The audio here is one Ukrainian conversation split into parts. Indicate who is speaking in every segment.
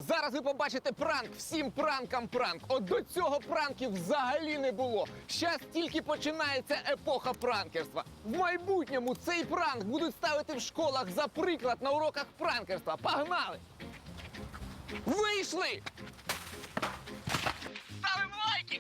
Speaker 1: Зараз ви побачите пранк, всім пранкам пранк. От до цього пранків взагалі не було. Щас тільки починається епоха пранкерства. В майбутньому цей пранк будуть ставити в школах за приклад на уроках пранкерства. Погнали! Вийшли! Ставимо лайки!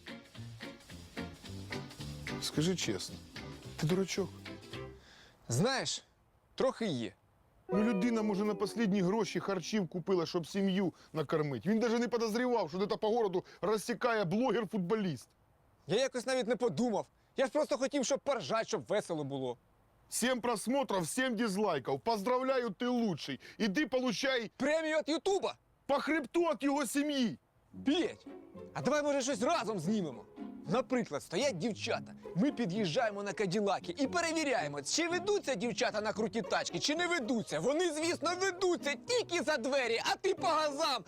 Speaker 2: Скажи чесно, ти дурачок?
Speaker 1: Знаєш, трохи є.
Speaker 2: Ну, людина, може, на останні гроші харчів купила, щоб сім'ю накормити. Він навіть не підозрював, що де-то по городу розсікає блогер-футболіст.
Speaker 1: Я якось навіть не подумав. Я ж просто хотів, щоб поржать, щоб весело було.
Speaker 2: 7 просмотров, 7 дизлайків. Поздравляю, ти лучший. Іди получай
Speaker 1: Премію від Ютуба!
Speaker 2: по хребту від його сім'ї.
Speaker 1: Петь, а давай, може, щось разом знімемо? Наприклад, стоять дівчата, ми під'їжджаємо на каділаки і перевіряємо, чи ведуться дівчата на круті тачки, чи не ведуться. Вони, звісно, ведуться тільки за двері, а ти по газам.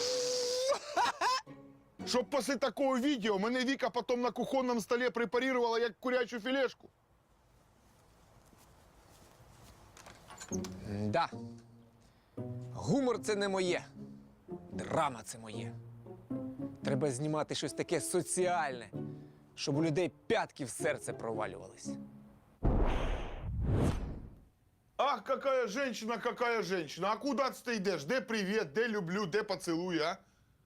Speaker 2: Щоб після такого відео мене Віка потім на кухонному столі препарувала як курячу філешку.
Speaker 1: Да. Гумор – це не моє. Драма – це моє. Треба знімати щось таке соціальне, щоб у людей п'ятки в серце провалювались.
Speaker 2: Ах, какая женщина. А куди ти йдеш? Де привіт, де люблю, де поцілуй, а?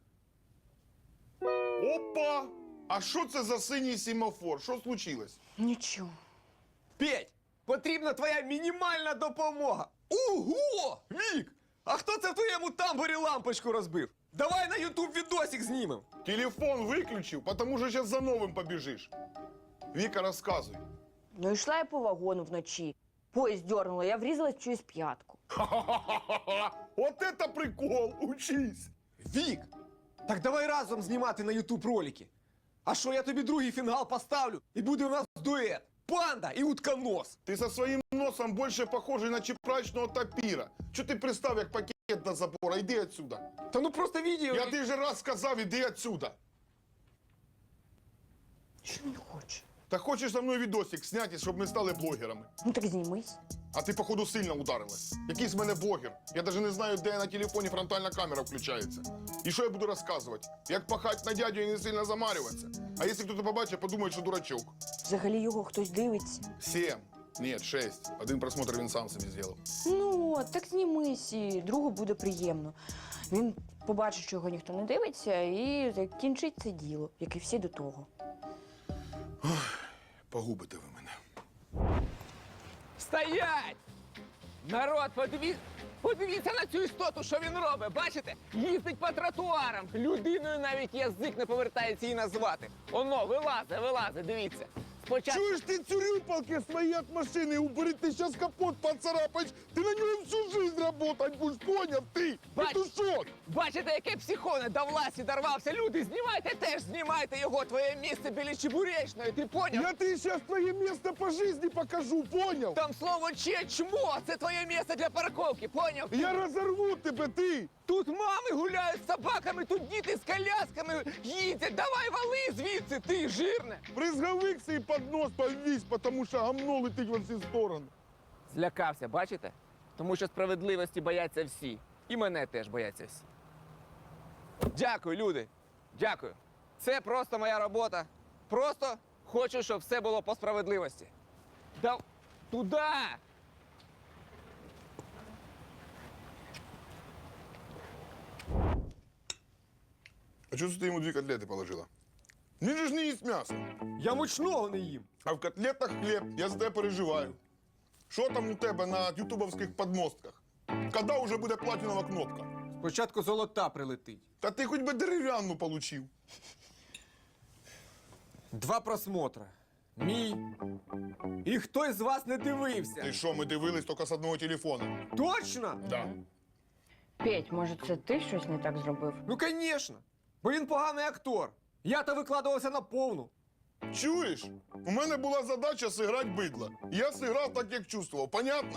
Speaker 2: Опа! А що це за синій семафор? Що случилось?
Speaker 3: Нічого.
Speaker 1: Петь, потрібна твоя мінімальна допомога. Ого! Вік! А хто це в твоєму тамбурі лампочку розбив? Давай на Ютуб відосик знімем.
Speaker 2: Телефон виключив, тому що зараз за новим побіжиш. Віка, розказуй.
Speaker 3: Ну, йшла я по вагону вночі. Поїзд дернула, я врізалась в чиюсь п'ятку.
Speaker 2: Ха-ха-ха! От это прикол! Учись!
Speaker 1: Вік! Так давай разом знімати на Ютуб ролики. А що, я тобі другий фінгал поставлю, і буде у нас дует. Панда і утконос.
Speaker 2: Ти со своїм носом більше похожий на чепрачного тапіра. Чого ти пристав, як пакет до забора? Йди отсюда.
Speaker 1: Та ну просто відео.
Speaker 2: Я тобі вже раз сказав, іди отсюда.
Speaker 3: Що він хоче?
Speaker 2: Та хочеш за мною відосик зняти, щоб ми стали блогерами.
Speaker 3: Ну так знімись.
Speaker 2: А ти, походу, сильно ударилась. Який з мене блогер. Я навіть не знаю, де на телефоні фронтальна камера включається. І що я буду розказувати? Як пахать на дядю і не сильно замарюватися? А якщо хтось побачить, подумає, що дурачок.
Speaker 3: Взагалі його хтось дивиться.
Speaker 2: 7. Ні, 6. Один просмотр він сам собі зробив.
Speaker 3: Ну, от, так знімись, і другу буде приємно. Він побачить, що його ніхто не дивиться, і закінчить це діло, як і всі до того.
Speaker 2: Погубите ви мене.
Speaker 1: Стоять! Народ, подивіться на цю істоту, що він робить. Бачите? Їздить по тротуарам. Людиною навіть язик не повертається її назвати. Оно, вилазить, дивіться. Спочатку...
Speaker 2: Чуєш ти цюрюпалки свої від машини убери, ти зараз капот поцарапаєш, ти на ньому всю жизнь работать будеш, поняв ти? Петушок!
Speaker 1: Бачите, яке психоне до власті дорвався. Люди, знімайте теж, знімайте його. Твоє місце біля Чебуречної, ти поняв?
Speaker 2: Я тобі зараз твоє місце по житті покажу, поняв?
Speaker 1: Там слово чмо, це твоє місце для парковки, поняв?
Speaker 2: Я розорву тебе, ти!
Speaker 1: Тут мами гуляють з собаками, тут діти з колясками їздять. Давай вали звідси, ти жирне.
Speaker 2: Бризговик свій під нос повісь, тому що гамно летить во всі сторони.
Speaker 1: Злякався, бачите? Тому що справедливості бояться всі. І мене теж бояться всі. Дякую, люди. Дякую. Це просто моя робота. Просто хочу, щоб все було по справедливості. Туди!
Speaker 2: А чого ти йому 2 котлети положила? Він же ж не їсть м'ясо.
Speaker 1: Я мучного не їм.
Speaker 2: А в котлетах хліб, я за тебе переживаю. Що там у тебе на ютубовських подмостках? Коли вже буде платінова кнопка?
Speaker 1: Спочатку золота прилетить.
Speaker 2: Та ти хоч би дерев'яну получив.
Speaker 1: 2 просмотри. Мій. І хтось з вас не дивився.
Speaker 2: Ти що, ми дивились тільки з одного телефона?
Speaker 1: Точно?
Speaker 2: Да.
Speaker 3: Петь, може, це ти щось не так зробив?
Speaker 1: Ну, звісно. Бо він поганий актор. Я-то викладувався на повну.
Speaker 2: Чуєш? У мене була задача зіграти бидло. Я зіграв так, як чувствував. Понятно?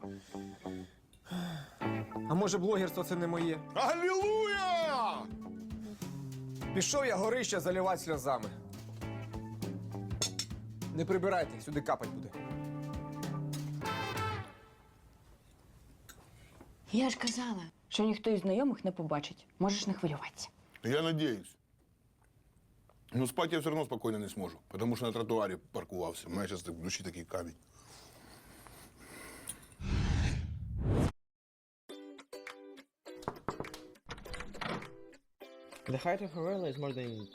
Speaker 1: А може, блогерство це не моє?
Speaker 2: Алілуя!
Speaker 1: Пішов я горище заливати сльозами. Не прибирайте, сюди капать буде.
Speaker 3: Я ж казала, що ніхто із знайомих не побачить. Можеш не хвилюватися.
Speaker 2: Я надеюсь. Но спать я все равно спокойно не сможу, потому что на тротуаре паркувався. У мене зараз в душі такий камінь.
Speaker 4: The height of Horella is more than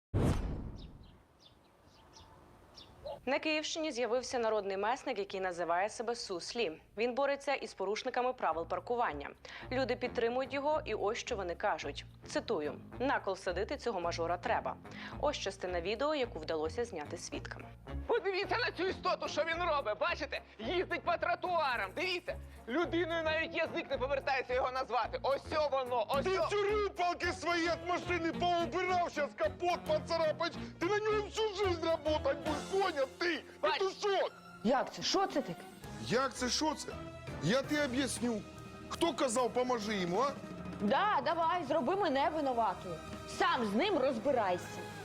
Speaker 5: На Київщині з'явився народний месник, який називає себе Суслі. Він бореться із порушниками правил паркування. Люди підтримують його, і ось що вони кажуть. Цитую: «На кол садити цього мажора треба». Ось частина відео, яку вдалося зняти свідкам.
Speaker 1: Подивіться на цю істоту, що він робить, бачите? Їздить по тротуарам, дивіться. Людиною навіть язик не повертається його назвати. Ось воно, ось
Speaker 2: Ти цю палки свої від машини поубирав, зараз капот поцарапаєш. Ти на ньому всю жизнь работать будеш, поняв ти?
Speaker 1: Бач.
Speaker 2: Петушок!
Speaker 3: Як це? Що це таке?
Speaker 2: Як це, що це? Я тобі об'ясню. Хто казав, поможи йому, а?
Speaker 3: Да, давай, зроби мене винуватою. Сам з ним розбирайся.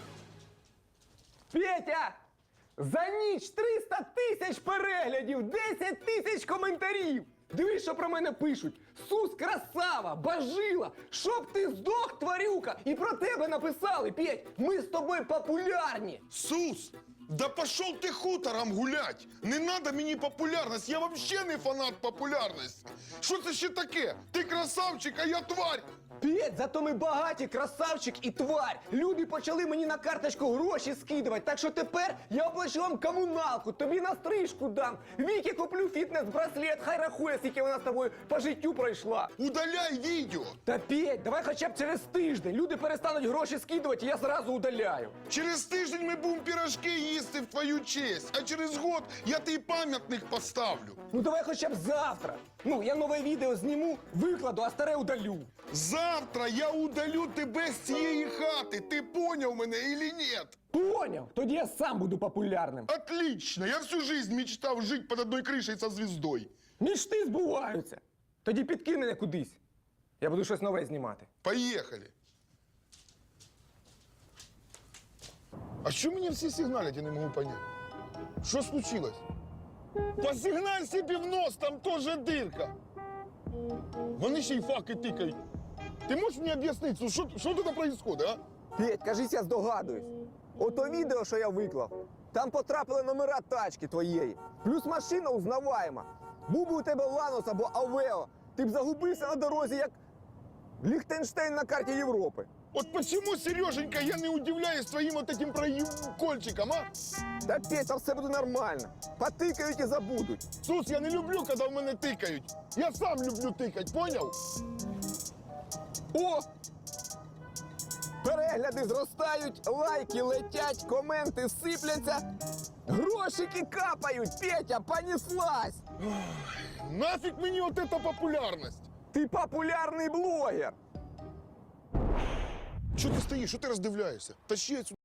Speaker 6: Петя! За ніч 300 тисяч переглядів, 10 тисяч коментарів! Дивись, що про мене пишуть. Сус красава, бажила, щоб ти здох, тварюка! І про тебе написали, Петь, ми з тобою популярні!
Speaker 2: Сус, да пошел ты хутором гулять! Не надо мені популярність, я вообще не фанат популярності. Що це ще таке? Ти красавчик, а я тварь!
Speaker 6: Петь, зато ми багаті, красавчик і тварь! Люди почали мені на карточку гроші скидувати, так що тепер я оплачу вам комуналку, тобі на стрижку дам, Вікі куплю фітнес-браслет, хай рахує, скільки вона з тобою по життю пройшла.
Speaker 2: Удаляй відео!
Speaker 6: Та Петь, давай хоча б через тиждень. Люди перестануть гроші скидувати, і я зразу удаляю.
Speaker 2: Через тиждень ми будемо пірожки їсти в твою честь, а через год я тобі пам'ятник поставлю.
Speaker 6: Ну давай хоча б завтра. Ну, я нове відео зніму, викладу, а старе удалю.
Speaker 2: Завтра я удалю тебе з цієї хати, ти поняв мене или нет?
Speaker 6: Поняв? Тоді я сам буду популярним.
Speaker 2: Отлично, я всю жизнь мечтав жити під одною кришею со звіздою.
Speaker 6: Мічти збуваються. Тоді підкинь мене кудись. Я буду щось нове знімати.
Speaker 2: Поехали. А що мені всі сигналять, я не можу понять. Що случилось? Посигналь собі в нос, там теж дирка. Вони ще й факи тикають. Ти можеш мені об'яснити, що тут происходит, а?
Speaker 6: Петь, кажись, я здогадуюсь. Ото відео, що я виклав, там потрапили номера тачки твоєї. Плюс машина узнаваєма. Був би у тебе Ланос або Авео, ти б загубився на дорозі, як Ліхтенштейн на карті Європи.
Speaker 2: От почему, Сереженька, я не удивляюсь твоїм вот этим прокольчиком, а?
Speaker 6: Та Петь, там все буде нормально. Потикають і забудуть.
Speaker 2: Сус, я не люблю, коли в мене тикають. Я сам люблю тикать, поняв?
Speaker 6: О! Перегляди зростають, лайки летять, коменти сипляться, грошики капають, Петя, понеслась!
Speaker 2: Нафіг мені от эта популярність?
Speaker 6: Ти популярний блогер!
Speaker 2: Що ти стоїш, що ти роздивляєшся? Тащи отсюда.